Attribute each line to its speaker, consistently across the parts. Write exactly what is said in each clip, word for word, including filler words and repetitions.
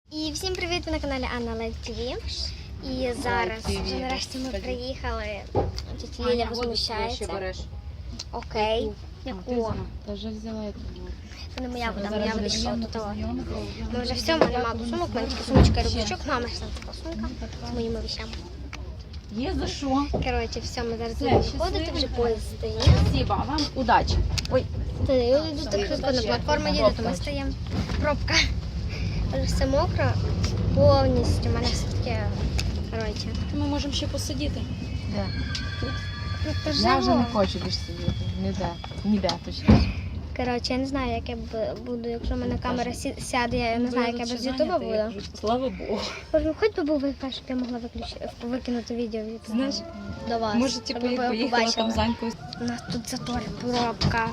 Speaker 1: І всім привіт, ви на каналі Анна Лайк ТВ. І зараз вже нарешті ми приїхали. Тетя Ліля возмущається. Окей. Яку?
Speaker 2: Та вже взяла яку.
Speaker 1: Це не моя вода, моя вода ще до того. Ми вже все, мене мало сумок, в мене тільки сумочка і рюкзачок, мама ж там така сумка з моїми вещами.
Speaker 2: Є за що.
Speaker 1: Коротше, все, ми зараз будемо виходити, вже поїзд стає.
Speaker 2: Спасибо, вам удачі.
Speaker 1: Ой, це я йду так швидко на платформу їде, то ми стоїмо. Пробка. Але все мокро, повністю, у мене все таке, коротше.
Speaker 2: Ми можемо ще посидіти.
Speaker 3: Де?
Speaker 1: Тут
Speaker 3: Я вже
Speaker 1: живо.
Speaker 3: не хочу більше сидіти. Ніде. Ніде точніше.
Speaker 1: Коротше, я не знаю, як я б- буду, якщо в мене камера сі- сяде, я не знаю, як я без ютуба буду.
Speaker 2: Слава Богу.
Speaker 1: Боже, хоч би був Wi-Fi, щоб я могла виключити, викинути відео від
Speaker 2: Знаєш,
Speaker 1: до вас.
Speaker 2: може,
Speaker 1: щоб
Speaker 2: типу,
Speaker 1: ви
Speaker 2: як поїхала
Speaker 1: побачили.
Speaker 2: там Заньку.
Speaker 1: У нас тут затор, пробка.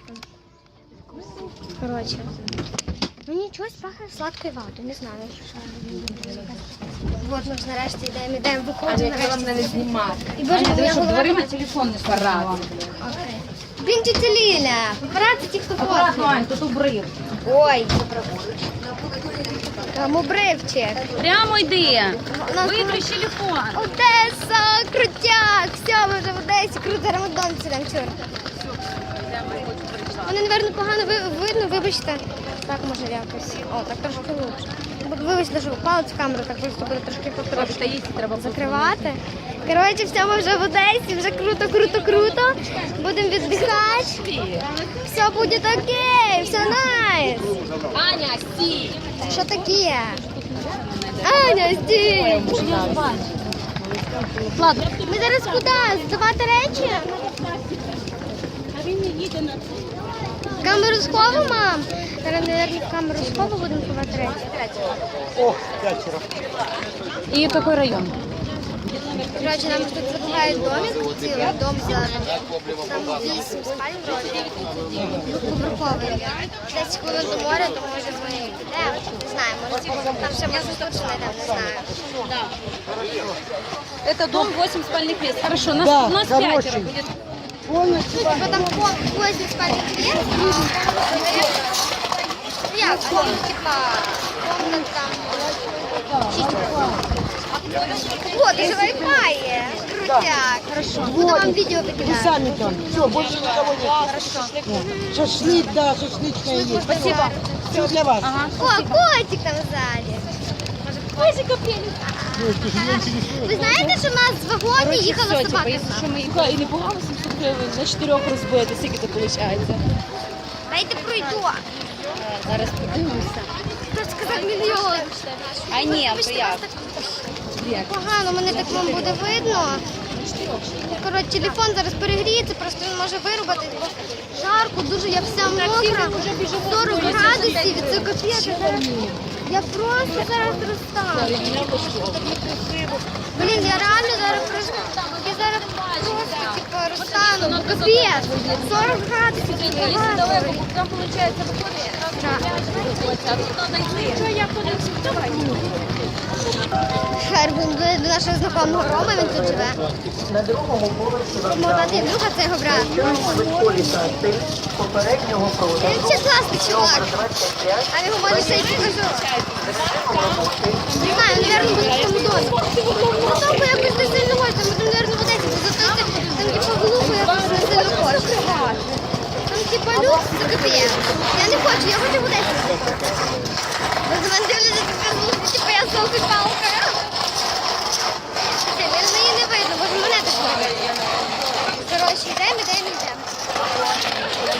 Speaker 1: Коротше. Мені чогось пахне сладкою ватою, не знаю. Що. От ми ж нарешті йдемо, йдемо, виходимо нарешті.
Speaker 3: не знімати.
Speaker 1: І боже, моя
Speaker 2: Щоб
Speaker 1: голова.
Speaker 2: дверима телефон не спарати.
Speaker 1: Окей. Блін, тетя Ліля, папараці ті, хто
Speaker 2: Аккуратно,
Speaker 1: фоткає.
Speaker 2: Ань, тут обрив.
Speaker 1: Ой. Там обривчик.
Speaker 2: Прямо йди.
Speaker 1: У нас
Speaker 2: Виключ телефон.
Speaker 1: Одеса, крутяк. Все, ми вже в Одесі, круто, Рамадан сидимо, чорт. Мене, напевно, погано ви- видно, вибачте. Так, може, якось. О, так трошки лучше. Вибачте, що палець в камеру, так просто буде трошки потрошки
Speaker 2: треба
Speaker 1: закривати. Коротше, все, ми вже в Одесі, вже круто, круто, круто. Будемо віддихати. Все буде окей, все найс.
Speaker 2: Аня, стій.
Speaker 1: Що таке? Аня, стій.
Speaker 2: Ладно.
Speaker 1: Ми зараз куди? Здавати речі? Камеру схову, мам? Зараз, мабуть, в камеру схову будемо ховати речі.
Speaker 4: О, пятеро.
Speaker 2: І який район?
Speaker 1: Коротше, нам тут предлагають домик, цілий дом зелений. Там вісім спалень вроді. Двохповерховий. десять хвилин до моря, то може дзвонити. Де? Не знаю, може там ще може тут знайдемо, не знаю.
Speaker 2: Это дом восемь спальных мест. Хорошо, нас,
Speaker 4: Да,
Speaker 2: нас
Speaker 4: хороший.
Speaker 2: пятеро будет.
Speaker 4: Полностью.
Speaker 1: Ну, типа там восемь спальних мест, а ну як, а він типа комнат там шість. О, даже Wi-Fi є. Крутяк. Хорошо. Буду вам відео
Speaker 4: Вы
Speaker 1: викидати.
Speaker 4: сами там. Все, больше никого нет.
Speaker 1: Хорошо.
Speaker 4: Шашлык, да, шашлычная есть.
Speaker 1: Спасибо.
Speaker 4: Все для вас.
Speaker 2: Ага.
Speaker 1: О, котик там ззаді. Котика Ви знаєте, що в нас в вагоні їхала
Speaker 2: Все, типа,
Speaker 1: собака?
Speaker 2: если что, мы їхали і непогано сімсот гривень на чотирьох розбити, скільки це виходить?
Speaker 1: Дайте пройду.
Speaker 2: Зараз подивимося.
Speaker 1: Хто сказав мільйон?
Speaker 2: А ні, то як?
Speaker 1: Погано, мене так вам буде видно. Коротше, телефон зараз перегріється, просто він може вирубати, бо жарко, дуже, я вся мокра, сорок градусів, і це капець. Я зараз- Я просто зараз розстану. Блін, я реально зараз просто, я зараз просто, типу, розстану, бо капець, сорок градусів, це багато.
Speaker 2: Там, виходить, виходить. Що я подивлюся? Давай.
Speaker 1: Шербін до нашого знайомого Рома, він тут живе.
Speaker 4: На другому поверсі
Speaker 1: Можна ти друга це його брат.
Speaker 4: політати попереднього проводу.
Speaker 1: Він ще класний чувак. А його може ще й покажу. Не знаю, мабуть, буде в тому домі. Ну, тому якось не сильно хочу, там, мабуть, в Одесі, бо зато це, там, типу, глухо, якось не сильно хочу. Там, типу, люкс, це капець. Я не хочу, я хочу в Одесі. Бо за мене дивляться